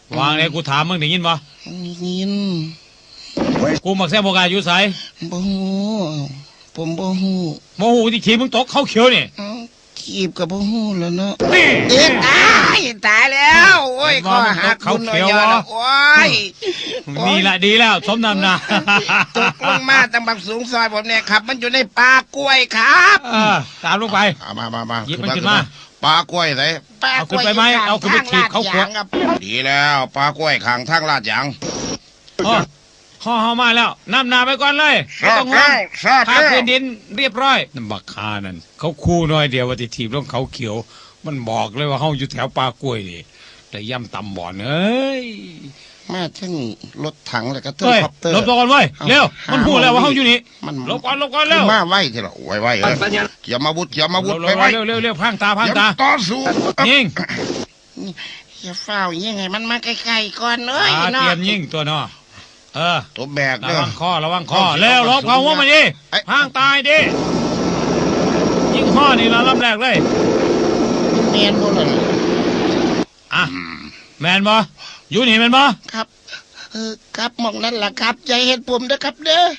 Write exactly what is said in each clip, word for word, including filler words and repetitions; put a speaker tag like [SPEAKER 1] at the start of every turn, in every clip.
[SPEAKER 1] วางเลยกูถามมึงได้ยินปะ
[SPEAKER 2] ยิน
[SPEAKER 1] กูมักแซ่บโบกาอยู่ใส
[SPEAKER 2] บ่ฮู้ผมบ่ฮู้
[SPEAKER 1] โมโหที่ขี่มึงตกเข้าเขียวนี่
[SPEAKER 2] เอ้าขีบกับบ่ฮู้แล้วเนาะ
[SPEAKER 1] นี่
[SPEAKER 2] เด็กตายตายแล้วโอ้ยข้อหักคุณน้อยยอดโอ้ย
[SPEAKER 1] นี่แหละดีแล้วสมนำหนา
[SPEAKER 2] ตกลงมาตั้งบักสูงซอยผมเนี่ยครับ มันอยู่ในป่ากล้วยครับ
[SPEAKER 1] เออตามลงไป
[SPEAKER 3] เอามามามา
[SPEAKER 1] หยิบมันขึ้นมา
[SPEAKER 3] ปลากล้วยไหน
[SPEAKER 1] เอาขึ้นไปไหมเอาขึ้นไปถีบเขาขวด
[SPEAKER 2] ครับ
[SPEAKER 3] ดีแล้วปลากล้วยขังทางลาดยาง
[SPEAKER 1] อ๋อห่อเฮามาแล้วนำหนาไปก่อนเลย
[SPEAKER 3] ทราบ
[SPEAKER 1] ไม่ต้องห่ว
[SPEAKER 3] แล้
[SPEAKER 1] ง
[SPEAKER 3] วทราบ
[SPEAKER 1] พา
[SPEAKER 3] แล้ว
[SPEAKER 1] พื้นดินเรียบร้อยนั่นบักคานั่นเขาคู่น้อยเดียวว่าติถีบลงเขาเขียว มันบอกเลยว่าเฮาอยู่แถวปลากล้วยนี่แต่ย่ำตำบ่อนเอ้ย
[SPEAKER 2] มาถึงรถถังแล้วก็ถึง
[SPEAKER 1] เฮ้ย
[SPEAKER 2] คอปเตอร์
[SPEAKER 1] หลบตัวก่อนเว้ยเร็วมันพูดแล้วว่าเฮาอยู่นี่
[SPEAKER 2] มัน
[SPEAKER 1] หลบก่อนหลบก่อนเร็ว
[SPEAKER 3] มาไว้ทีละไว้ไว้เออเกี่ยมอาวุธเกี่ยมอาวุธ
[SPEAKER 1] เร็
[SPEAKER 3] ไป
[SPEAKER 1] ว
[SPEAKER 3] ไว้
[SPEAKER 1] เร็วเร็วเร็วพังตาพังตา
[SPEAKER 3] เกี่ยมต่อสู้
[SPEAKER 1] ยิง
[SPEAKER 2] อย่าเฝ้ายังไงมันมาใกล้ๆก่อนเอ้ย
[SPEAKER 1] อ่าเต
[SPEAKER 2] เนาะ
[SPEAKER 1] รียมยิงตัวเนาะเออ
[SPEAKER 3] ตัวแบก
[SPEAKER 1] ระ
[SPEAKER 3] เด้อ
[SPEAKER 1] วังคอระวังคอเร็วลบเขาหัวมันดิ
[SPEAKER 3] ไอ้
[SPEAKER 1] พังตายดิยิงข้อนี่ละลำแรกเลย
[SPEAKER 2] เมียนบ่ล่ะ
[SPEAKER 1] อ่ะแมนบ่อยู่นี่แมนบ่
[SPEAKER 2] ครับ เออครับหมองนั่นล่ะครับใจเห็นผมเด้อครับเด้อ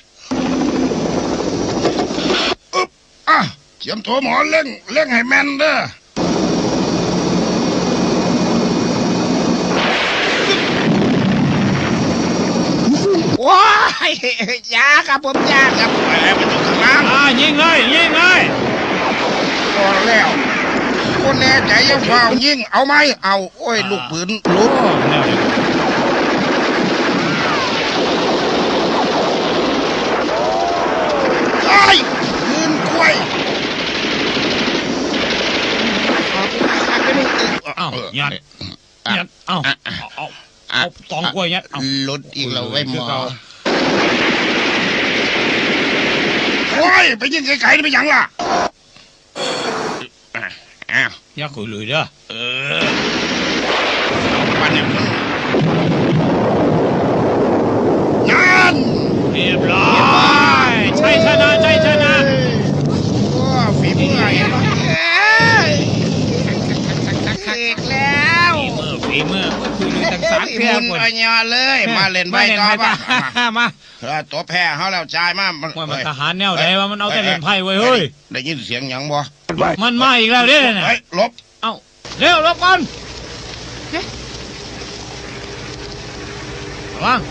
[SPEAKER 3] อึ๊บอ่ะเกี่ยมตัวหมอเล่งเล่งให้แม่นเด้อ
[SPEAKER 2] ว้ายยาครับผมยาครับ
[SPEAKER 3] ไปแล้วไปตกข้างล่าง
[SPEAKER 1] อ่ายิงเลยยิงเลย
[SPEAKER 3] พอแล้วคนแน่ใจอยังเฝ้ายิงเอาไหมเอาโอ้ยลูกปืนหลุด
[SPEAKER 1] โอ้แนวนี้
[SPEAKER 3] ไอ้ยยืนกล้วย
[SPEAKER 1] เอ้ายัดยัดเอ้าเอาเอาเอาตองกล้วยยัดเอา
[SPEAKER 2] หลุดอีกแล้วไว้ยหมอ
[SPEAKER 3] โอ้ยไปยิงไกลๆนี่ไปหยังล่ะอ้าว
[SPEAKER 1] อย่าคุยเลยเด้อ
[SPEAKER 3] เออปันเนี่ยมึงนั่น
[SPEAKER 1] เรียบร้อยใช่ชนะใช่ชนะ
[SPEAKER 3] โอ้ฝีมือไอ้บ้า
[SPEAKER 2] อีกแล้ว
[SPEAKER 1] ฝีมือฝีมือก็คือดูต่างสาร
[SPEAKER 2] มุ
[SPEAKER 1] เพีย
[SPEAKER 2] น
[SPEAKER 1] คน
[SPEAKER 2] อัญญาเลย
[SPEAKER 3] มาเล่นใบต่อ
[SPEAKER 1] มา
[SPEAKER 3] ป่ะ
[SPEAKER 1] มา
[SPEAKER 3] เออตัวแพ้เขาแล้วจ่ายมามัน
[SPEAKER 1] ว่ามันทหารแนวไหนว่ามันเอาแต่เล่นไพ่ไว้เฮ้ย
[SPEAKER 3] ได้ยินเสียงหยังบ่
[SPEAKER 1] มันมาอีกแล้วเด้อน่ะ
[SPEAKER 3] เฮ้ยหลบ
[SPEAKER 1] เอ้าเร็วรบก่อนระวัง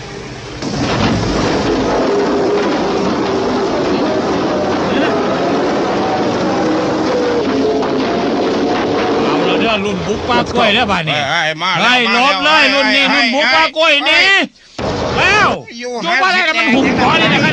[SPEAKER 1] เอาละเด้อรุ่นบุกปลากล้วยเด้อบ้านนี้
[SPEAKER 3] เฮ้ยมา
[SPEAKER 1] ไล่ลบเลยรุ่นนี้รุ่นบุกปลากล้วยหนี่แล้วอยู่บ้านอะไรกันมันหุ่มขอเลยนะใคร